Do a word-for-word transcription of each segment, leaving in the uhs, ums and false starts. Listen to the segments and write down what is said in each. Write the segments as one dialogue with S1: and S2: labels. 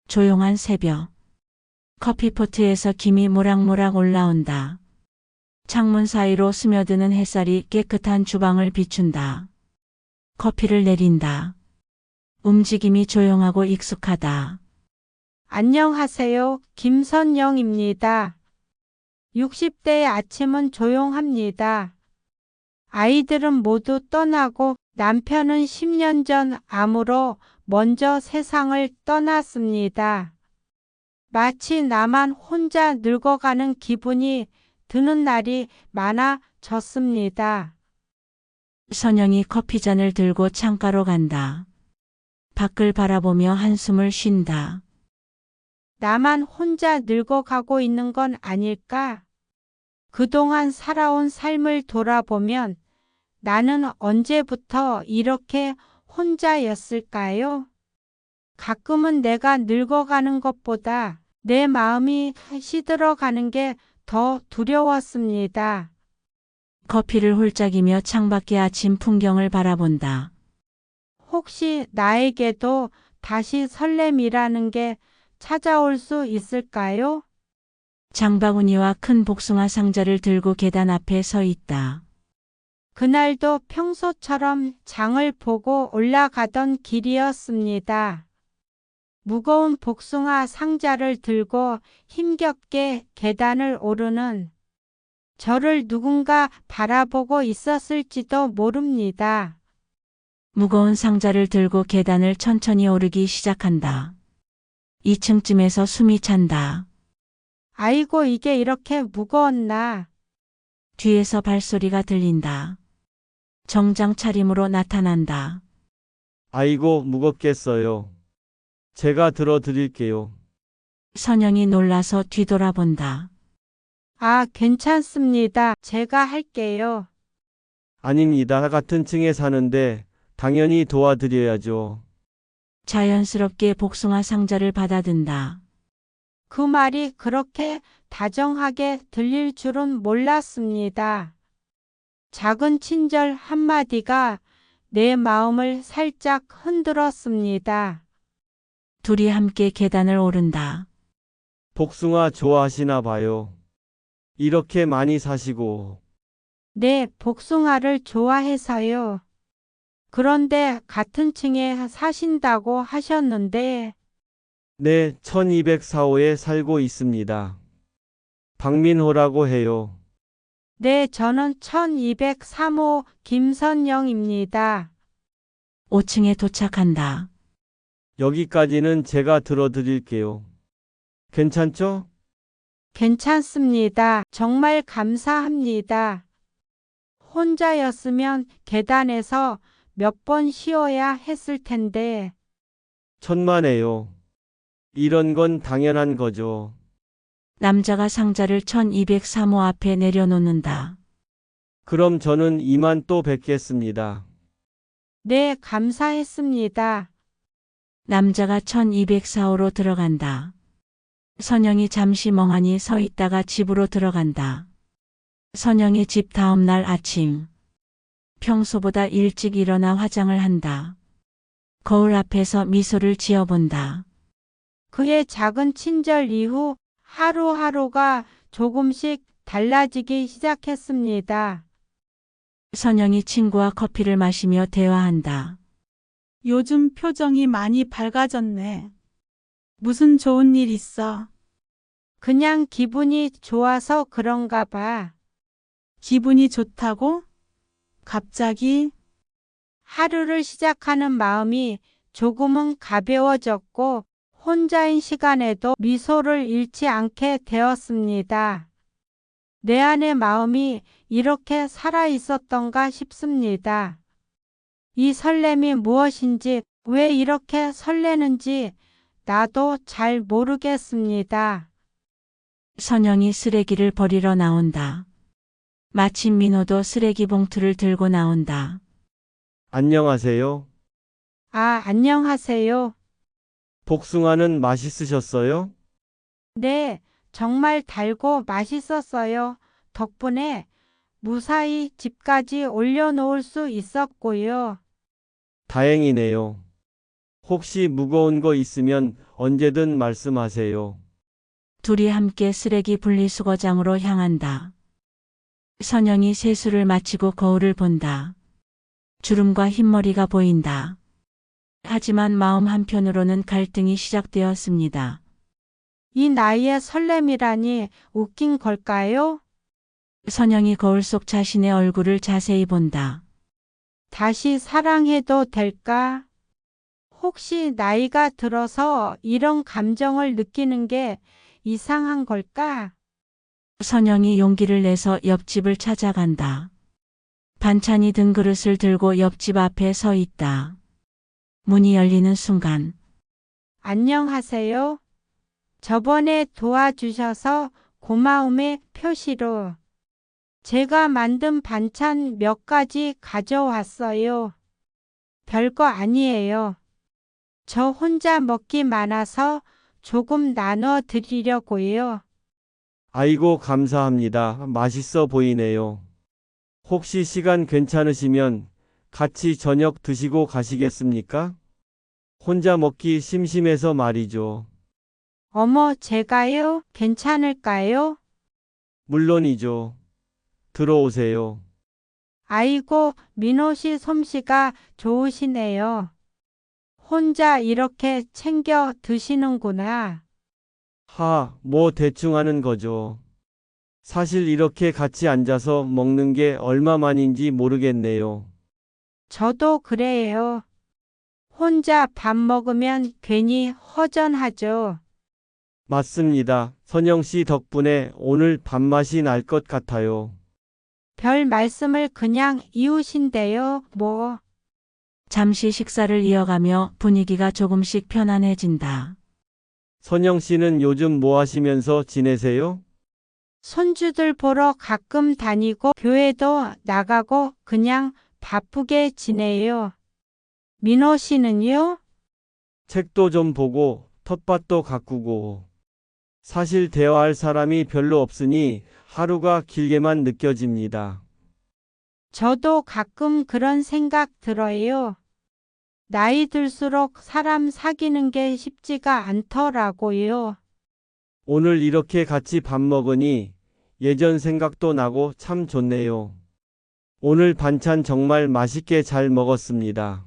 S1: 조용한 새벽. 커피포트에서 김이 모락모락 올라온다. 창문 사이로 스며드는 햇살이 깨끗한 주방을 비춘다. 커피를 내린다. 움직임이 조용하고 익숙하다.
S2: 안녕하세요. 김선영입니다. 육십 대의 아침은 조용합니다. 아이들은 모두 떠나고 남편은 십 년 전 암으로 먼저 세상을 떠났습니다. 마치 나만 혼자 늙어가는 기분이 드는 날이 많아졌습니다.
S1: 선영이 커피잔을 들고 창가로 간다. 밖을 바라보며 한숨을 쉰다.
S2: 나만 혼자 늙어가고 있는 건 아닐까? 그동안 살아온 삶을 돌아보면 나는 언제부터 이렇게 혼자였을까요? 가끔은 내가 늙어가는 것보다 내 마음이 시들어가는 게 더 두려웠습니다.
S1: 커피를 홀짝이며 창밖의 아침 풍경을 바라본다.
S2: 혹시 나에게도 다시 설렘이라는 게 찾아올 수 있을까요?
S1: 장바구니와 큰 복숭아 상자를 들고 계단 앞에 서 있다.
S2: 그날도 평소처럼 장을 보고 올라가던 길이었습니다. 무거운 복숭아 상자를 들고 힘겹게 계단을 오르는 저를 누군가 바라보고 있었을지도 모릅니다.
S1: 무거운 상자를 들고 계단을 천천히 오르기 시작한다. 이 층쯤에서 숨이 찬다.
S2: 아이고, 이게 이렇게 무거웠나?
S1: 뒤에서 발소리가 들린다. 정장 차림으로 나타난다.
S3: 아이고, 무겁겠어요. 제가 들어드릴게요.
S1: 선영이 놀라서 뒤돌아본다.
S2: 아, 괜찮습니다. 제가 할게요.
S3: 아닙니다. 같은 층에 사는데 당연히 도와드려야죠.
S1: 자연스럽게 복숭아 상자를 받아든다.
S2: 그 말이 그렇게 다정하게 들릴 줄은 몰랐습니다. 작은 친절 한마디가 내 마음을 살짝 흔들었습니다.
S1: 둘이 함께 계단을 오른다.
S3: 복숭아 좋아하시나 봐요. 이렇게 많이 사시고.
S2: 네, 복숭아를 좋아해서요. 그런데 같은 층에 사신다고 하셨는데,
S3: 네, 천이백사 호에 살고 있습니다. 박민호라고 해요.
S2: 네, 저는 천이백삼 호 김선영입니다.
S1: 오 층에 도착한다.
S3: 여기까지는 제가 들어드릴게요. 괜찮죠?
S2: 괜찮습니다. 정말 감사합니다. 혼자였으면 계단에서 몇 번 쉬어야 했을 텐데,
S3: 천만에요. 이런 건 당연한 거죠.
S1: 남자가 상자를 천이백삼 호 앞에 내려놓는다.
S3: 그럼 저는 이만 또 뵙겠습니다.
S2: 네, 감사했습니다.
S1: 남자가 천이백사 호로 들어간다. 선영이 잠시 멍하니 서 있다가 집으로 들어간다. 선영의 집 다음 날 아침. 평소보다 일찍 일어나 화장을 한다. 거울 앞에서 미소를 지어본다.
S2: 그의 작은 친절 이후 하루하루가 조금씩 달라지기 시작했습니다.
S1: 선영이 친구와 커피를 마시며 대화한다.
S4: 요즘 표정이 많이 밝아졌네. 무슨 좋은 일 있어?
S2: 그냥 기분이 좋아서 그런가 봐.
S4: 기분이 좋다고? 갑자기?
S2: 하루를 시작하는 마음이 조금은 가벼워졌고 혼자인 시간에도 미소를 잃지 않게 되었습니다. 내 안의 마음이 이렇게 살아 있었던가 싶습니다. 이 설렘이 무엇인지, 왜 이렇게 설레는지 나도 잘 모르겠습니다.
S1: 선영이 쓰레기를 버리러 나온다. 마침 민호도 쓰레기 봉투를 들고 나온다.
S3: 안녕하세요.
S2: 아, 안녕하세요.
S3: 복숭아는 맛있으셨어요?
S2: 네, 정말 달고 맛있었어요. 덕분에 무사히 집까지 올려놓을 수 있었고요.
S3: 다행이네요. 혹시 무거운 거 있으면 언제든 말씀하세요.
S1: 둘이 함께 쓰레기 분리수거장으로 향한다. 선영이 세수를 마치고 거울을 본다. 주름과 흰머리가 보인다. 하지만 마음 한편으로는 갈등이 시작되었습니다.
S2: 이 나이에 설렘이라니 웃긴 걸까요?
S1: 선영이 거울 속 자신의 얼굴을 자세히 본다.
S2: 다시 사랑해도 될까? 혹시 나이가 들어서 이런 감정을 느끼는 게 이상한 걸까?
S1: 선영이 용기를 내서 옆집을 찾아간다. 반찬이 든 그릇을 들고 옆집 앞에 서 있다. 문이 열리는 순간
S2: 안녕하세요. 저번에 도와주셔서 고마움의 표시로 제가 만든 반찬 몇 가지 가져왔어요. 별거 아니에요. 저 혼자 먹기 많아서 조금 나눠 드리려고요.
S3: 아이고, 감사합니다. 맛있어 보이네요. 혹시 시간 괜찮으시면 같이 저녁 드시고 가시겠습니까? 혼자 먹기 심심해서 말이죠.
S2: 어머, 제가요? 괜찮을까요?
S3: 물론이죠. 들어오세요.
S2: 아이고, 민호 씨 솜씨가 좋으시네요. 혼자 이렇게 챙겨 드시는구나.
S3: 하, 뭐 대충 하는 거죠. 사실 이렇게 같이 앉아서 먹는 게 얼마만인지 모르겠네요.
S2: 저도 그래요. 혼자 밥 먹으면 괜히 허전하죠.
S3: 맞습니다. 선영 씨 덕분에 오늘 밥맛이 날 것 같아요.
S2: 별 말씀을 그냥 이웃인데요, 뭐.
S1: 잠시 식사를 이어가며 분위기가 조금씩 편안해진다.
S3: 선영 씨는 요즘 뭐 하시면서 지내세요?
S2: 손주들 보러 가끔 다니고 교회도 나가고 그냥 바쁘게 지내요. 민호 씨는요?
S3: 책도 좀 보고 텃밭도 가꾸고. 사실 대화할 사람이 별로 없으니 하루가 길게만 느껴집니다.
S2: 저도 가끔 그런 생각 들어요. 나이 들수록 사람 사귀는 게 쉽지가 않더라고요.
S3: 오늘 이렇게 같이 밥 먹으니 예전 생각도 나고 참 좋네요. 오늘 반찬 정말 맛있게 잘 먹었습니다.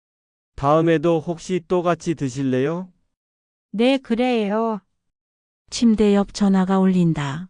S3: 다음에도 혹시 또 같이 드실래요?
S2: 네, 그래요.
S1: 침대 옆 전화가 울린다.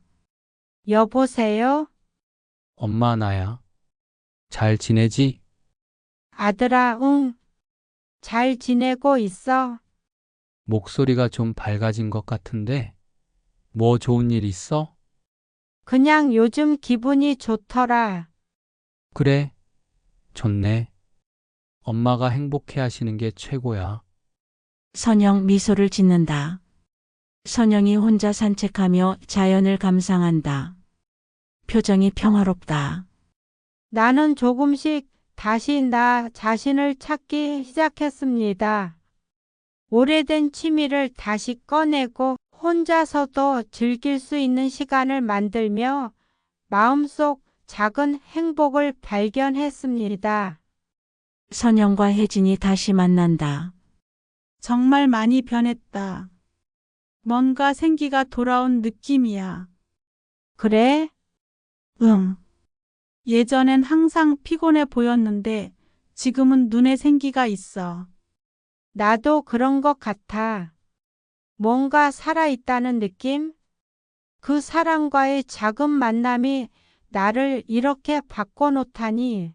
S2: 여보세요?
S5: 엄마 나야. 잘 지내지?
S2: 아들아, 응. 잘 지내고 있어.
S5: 목소리가 좀 밝아진 것 같은데. 뭐 좋은 일 있어?
S2: 그냥 요즘 기분이 좋더라.
S5: 그래. 좋네. 엄마가 행복해 하시는 게 최고야.
S1: 선영 미소를 짓는다. 선영이 혼자 산책하며 자연을 감상한다. 표정이 평화롭다.
S2: 나는 조금씩 다시 나 자신을 찾기 시작했습니다. 오래된 취미를 다시 꺼내고 혼자서도 즐길 수 있는 시간을 만들며 마음속 작은 행복을 발견했습니다.
S1: 선영과 혜진이 다시 만난다.
S4: 정말 많이 변했다. 뭔가 생기가 돌아온 느낌이야.
S2: 그래?
S4: 응. 예전엔 항상 피곤해 보였는데 지금은 눈에 생기가 있어.
S2: 나도 그런 것 같아. 뭔가 살아있다는 느낌? 그 사람과의 작은 만남이 나를 이렇게 바꿔놓다니.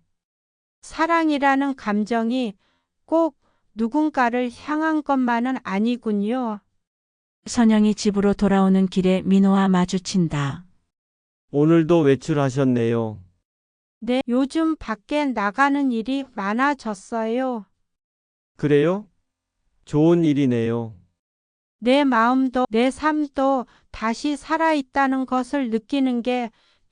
S2: 사랑이라는 감정이 꼭 누군가를 향한 것만은 아니군요.
S1: 선영이 집으로 돌아오는 길에 민호와 마주친다.
S3: 오늘도 외출하셨네요.
S2: 네, 요즘 밖에 나가는 일이 많아졌어요.
S3: 그래요? 좋은 일이네요.
S2: 내 마음도 내 삶도 다시 살아있다는 것을 느끼는 게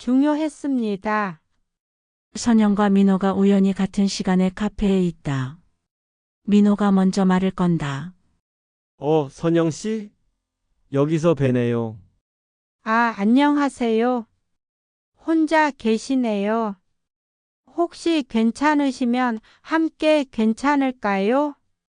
S2: 중요했습니다.
S1: 선영과 민호가 우연히 같은 시간에 카페에 있다. 민호가 먼저 말을 건다.
S3: 어, 선영 씨? 여기서 뵈네요.
S2: 아, 안녕하세요. 혼자 계시네요. 혹시 괜찮으시면 함께 괜찮을까요?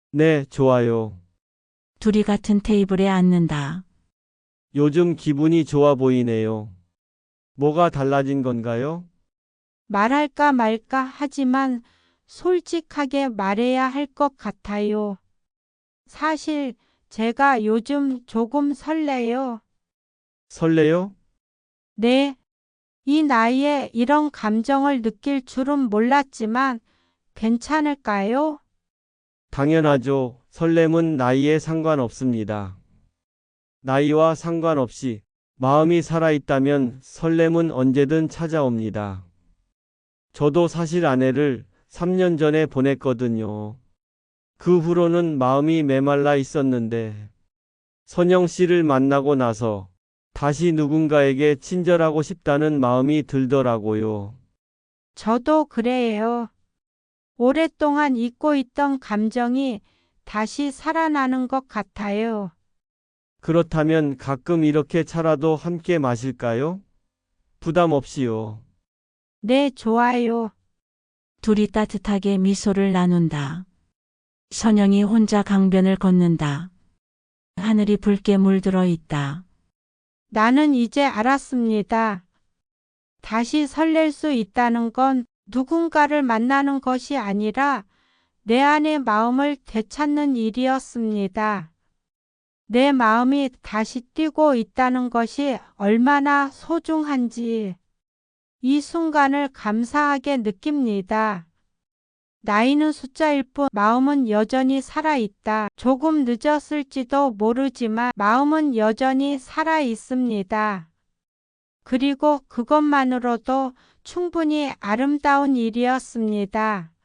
S3: 네, 좋아요.
S1: 둘이 같은 테이블에 앉는다.
S3: 요즘 기분이 좋아 보이네요. 뭐가 달라진 건가요?
S2: 말할까 말까 하지만 솔직하게 말해야 할 것 같아요. 사실 제가 요즘 조금 설레요.
S3: 설레요?
S2: 네, 이 나이에 이런 감정을 느낄 줄은 몰랐지만 괜찮을까요?
S3: 당연하죠. 설렘은 나이에 상관없습니다. 나이와 상관없이 마음이 살아있다면 설렘은 언제든 찾아옵니다. 저도 사실 아내를 삼 년 전에 보냈거든요. 그 후로는 마음이 메말라 있었는데 선영 씨를 만나고 나서 다시 누군가에게 친절하고 싶다는 마음이 들더라고요.
S2: 저도 그래요. 오랫동안 잊고 있던 감정이 다시 살아나는 것 같아요.
S3: 그렇다면 가끔 이렇게 차라도 함께 마실까요? 부담 없이요.
S2: 네, 좋아요.
S1: 둘이 따뜻하게 미소를 나눈다. 선영이 혼자 강변을 걷는다. 하늘이 붉게 물들어 있다.
S2: 나는 이제 알았습니다. 다시 설렐 수 있다는 건 누군가를 만나는 것이 아니라 내 안의 마음을 되찾는 일이었습니다. 내 마음이 다시 뛰고 있다는 것이 얼마나 소중한지 이 순간을 감사하게 느낍니다. 나이는 숫자일 뿐 마음은 여전히 살아있다. 조금 늦었을지도 모르지만 마음은 여전히 살아있습니다. 그리고 그것만으로도 충분히 아름다운 일이었습니다.